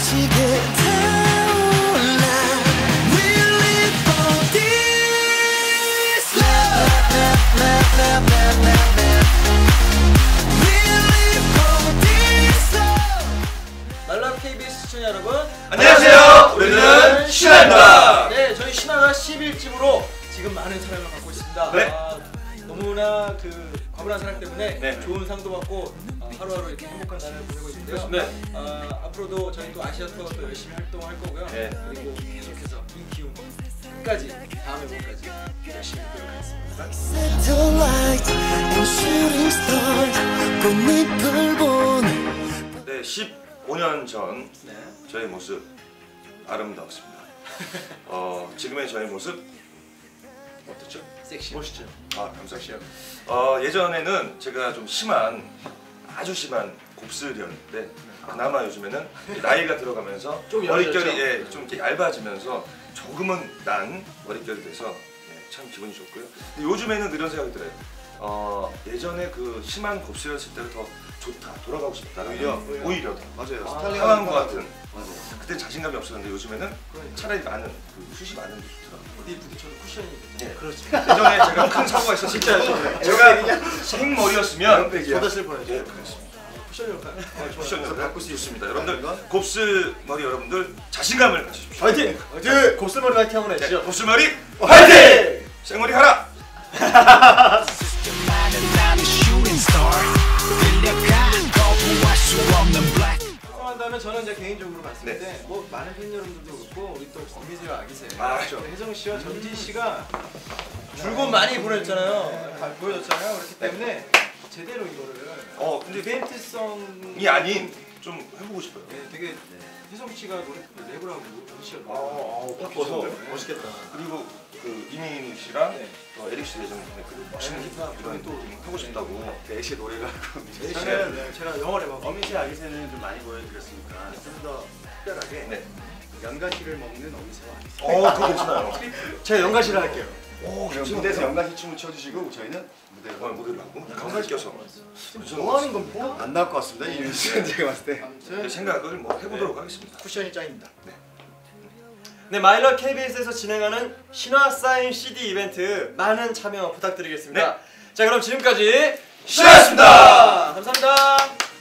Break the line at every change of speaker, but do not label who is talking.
말라 KBS 시청자 여러분,
안녕하세요. 우리는 신화입니다.
네, 저희 신화가 11집으로 지금 많은 사랑을 받고 있습니다.
네.
너무나 그 과분한 사랑 때문에
네.
좋은 상도 받고 하루하루 이렇게 행복한 날을 보내고 있는데요.
네.
앞으로도 저희 또 아시아 투어도 열심히 활동할 거고요.
네.
그리고 계속해서 이 기운 끝까지 다음 앨범까지 열심히 노력하겠습니다.
네, 15년 전
네.
저의 모습 아름다웠습니다. 지금의 저의 모습 어떻죠?
섹시.
멋있죠.
감사합니다. 예전에는 제가 좀 아주 심한 곱슬이었는데 그나마 요즘에는 나이가 들어가면서
좀
머릿결이 좀 이렇게 얇아지면서 조금은 난 머릿결이 돼서 참 기분이 좋고요. 근데 요즘에는 이런 생각이 들어요. 예전에 그 심한 곱슬이었을 때가 더 좋다, 돌아가고 싶다. 오히려 더
맞아요.
상한 것 같은.
맞아요.
그때 자신감이 없었는데 요즘에는 차라리 많은 그 숱이 많은 게 좋더라고요.
어디 부딪혀도 쿠션이 되죠.
네.
그렇죠.
예전에 제가 큰 사고가 있었을 때 제가 생머리였으면
쏟았을 뻔했죠.
네, 그렇습니다.
쿠션 역할.
쿠션으로 바꿀 수 있습니다. 여러분들 곱슬머리 여러분들 자신감을 가지십시오.
화이팅! 화이팅! 곱슬머리 화이팅 한번
네,
해주시죠.
곱슬머리 화이팅! 생머리 하라!
한다면 저는 이제 개인적으로 봤을
네.
때 뭐 많은 팬 여러분들도 그렇고 우리 또 어미새와 아기새
그렇죠.
혜정 씨와 전지 씨가 줄곧 많이 보냈잖아요. 보여줬잖아요. 그렇기 때문에 제대로 이거를
근데
이벤트성이
아닌 좀 해보고 싶어요.
네, 되게 혜성 씨가 노래 랩을 하고 전지 씨가
딱
벗어. 멋있겠다.
그리고 그 이민 씨랑
네.
에릭 씨 예전에 그 멋있는 힙합 이런 또 하고 싶다고.
애쉬 노래가
저는 제가 영어 랩하고
어미새 아기새는 좀 많이 보여드렸으니까 좀 더 특별하게
네.
연가시를 먹는 어미새와 아기새.
그거 괜찮아요.
제가 연가시를 할게요.
그럼
무대에서 연가시 춤을 춰주시고 저희는 무대에서
무대를 하고 감각 껴서.
뭐 하는 겁니까?
안 나올 것 같습니다. 이 뉴스는 제가 봤을 때.
아무튼
생각을 뭐 해보도록 하겠습니다.
쿠션이 짱입니다.
네, 마일러 KBS에서 진행하는 신화 사인 CD 이벤트 많은 참여 부탁드리겠습니다.
네.
자, 그럼 지금까지
신화였습니다.
감사합니다.